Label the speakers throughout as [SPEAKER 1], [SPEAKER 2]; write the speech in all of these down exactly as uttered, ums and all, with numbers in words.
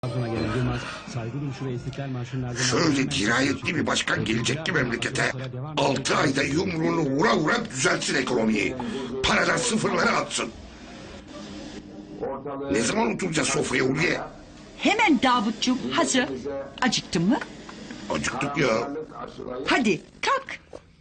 [SPEAKER 1] Trabzon'a gelen Yılmaz, saygı duruşu ve İstiklal Marşı'nın ardından...
[SPEAKER 2] Şöyle dirayetli bir başkan gelecek ki memlekete. Altı ayda yumruğunu vura vura düzeltsin ekonomiyi. Paradan sıfırlara atsın. Ne zaman oturacağız sofraya Ulviye?
[SPEAKER 3] Hemen Davutcuğum, hazır. Acıktın mı?
[SPEAKER 2] Acıktık ya.
[SPEAKER 3] Hadi kalk.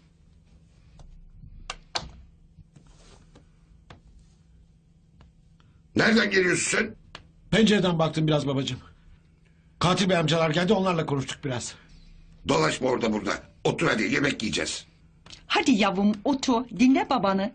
[SPEAKER 2] Nereden geliyorsun sen?
[SPEAKER 4] Pencereden baktım biraz babacığım. Katil bey amcalar geldi, onlarla konuştuk biraz.
[SPEAKER 2] Dolaşma orada burada. Otur hadi, yemek yiyeceğiz.
[SPEAKER 3] Hadi yavrum otur, dinle babanı.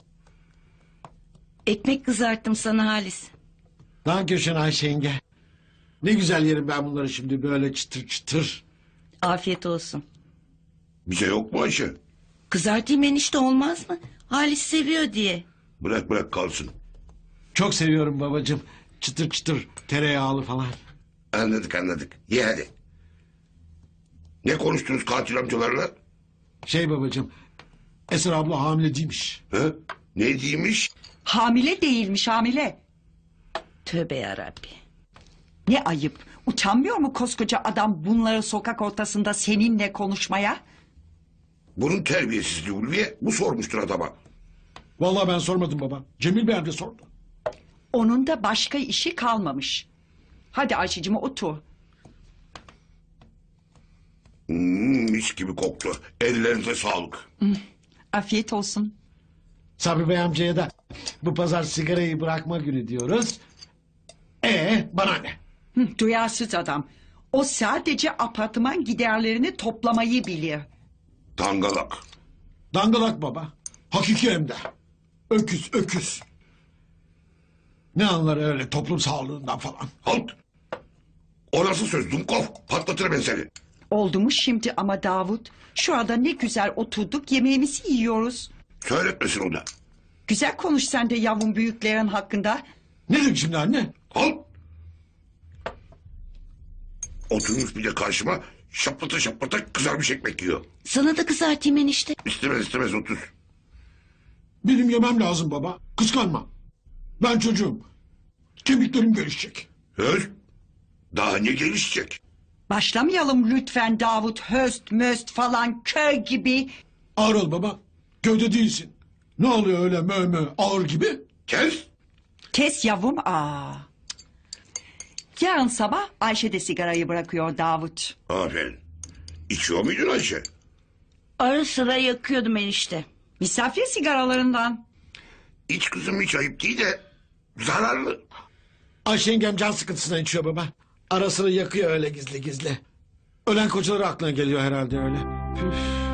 [SPEAKER 5] Ekmek kızarttım sana Halis.
[SPEAKER 4] Dankeschön Ayşe yenge. Ne güzel yerim ben bunları şimdi böyle çıtır çıtır.
[SPEAKER 5] Afiyet olsun.
[SPEAKER 2] Bize yok mu Ayşe?
[SPEAKER 5] Kızartayım enişte, olmaz mı? Halis seviyor diye.
[SPEAKER 2] Bırak bırak kalsın.
[SPEAKER 4] Çok seviyorum babacığım. Çıtır çıtır tereyağlı falan.
[SPEAKER 2] Anladık anladık. Ye hadi. Ne konuştunuz katil amcalarla?
[SPEAKER 4] Şey babacığım, Esra abla hamile değilmiş.
[SPEAKER 2] Ha? Ne diymiş?
[SPEAKER 3] Hamile değilmiş, hamile.
[SPEAKER 5] Tövbe yarabbi.
[SPEAKER 3] Ne ayıp. Utanmıyor mu koskoca adam bunları sokak ortasında seninle konuşmaya?
[SPEAKER 2] Bunun terbiyesizliği Ulviye. Bu sormuştur adama.
[SPEAKER 4] Vallahi ben sormadım baba. Cemil bey amca sordu.
[SPEAKER 3] Onun da başka işi kalmamış. Hadi Ayşe'cim otur.
[SPEAKER 2] Hmm, mis gibi koktu. Ellerinize sağlık.
[SPEAKER 3] Afiyet olsun.
[SPEAKER 4] Sabri bey amcaya da bu pazar sigarayı bırakma günü diyoruz. Ee bana ne?
[SPEAKER 3] Hı, duyarsız adam. O sadece apartman giderlerini toplamayı bilir.
[SPEAKER 2] Dangalak.
[SPEAKER 4] Dangalak baba. Hakiki hem de. Öküz öküz. Ne anlar öyle toplum sağlığından falan.
[SPEAKER 2] Halt. O nasıl söz Dumkov? Patlatırım ben seni.
[SPEAKER 3] Oldu mu şimdi ama Davut? Şu anda ne güzel oturduk, yemeğimizi yiyoruz.
[SPEAKER 2] Söyletmesin o da.
[SPEAKER 3] Güzel konuş sen de yavrum büyüklerin hakkında.
[SPEAKER 4] Ne dedik şimdi anne?
[SPEAKER 2] Halt. Oturmuş bir de karşıma şaplata şaplata kızarmış ekmek yiyor.
[SPEAKER 5] Sana da kızartayım enişte.
[SPEAKER 2] İstemez istemez otur.
[SPEAKER 4] Benim yemem lazım baba. Kıskanma. Ben çocuğum. Kemiklerim gelişecek.
[SPEAKER 2] Höz. Daha ne gelişecek?
[SPEAKER 3] Başlamayalım lütfen Davut, höst möst falan köy gibi.
[SPEAKER 4] Ağır ol baba. Köyde değilsin. Ne oluyor öyle mö mö ağır gibi?
[SPEAKER 2] Kes.
[SPEAKER 3] Kes yavrum, aa. Yarın sabah Ayşe de sigarayı bırakıyor Davut.
[SPEAKER 2] Aferin. İçiyor muydun Ayşe?
[SPEAKER 5] Ara sıra yakıyordum enişte.
[SPEAKER 3] Misafir sigaralarından.
[SPEAKER 2] İç kızım, hiç ayıp değil de zararlı.
[SPEAKER 4] Ayşe yengem can sıkıntısından içiyor baba. Ara sıra yakıyor öyle gizli gizli. Ölen kocaları aklına geliyor herhalde öyle. Püf.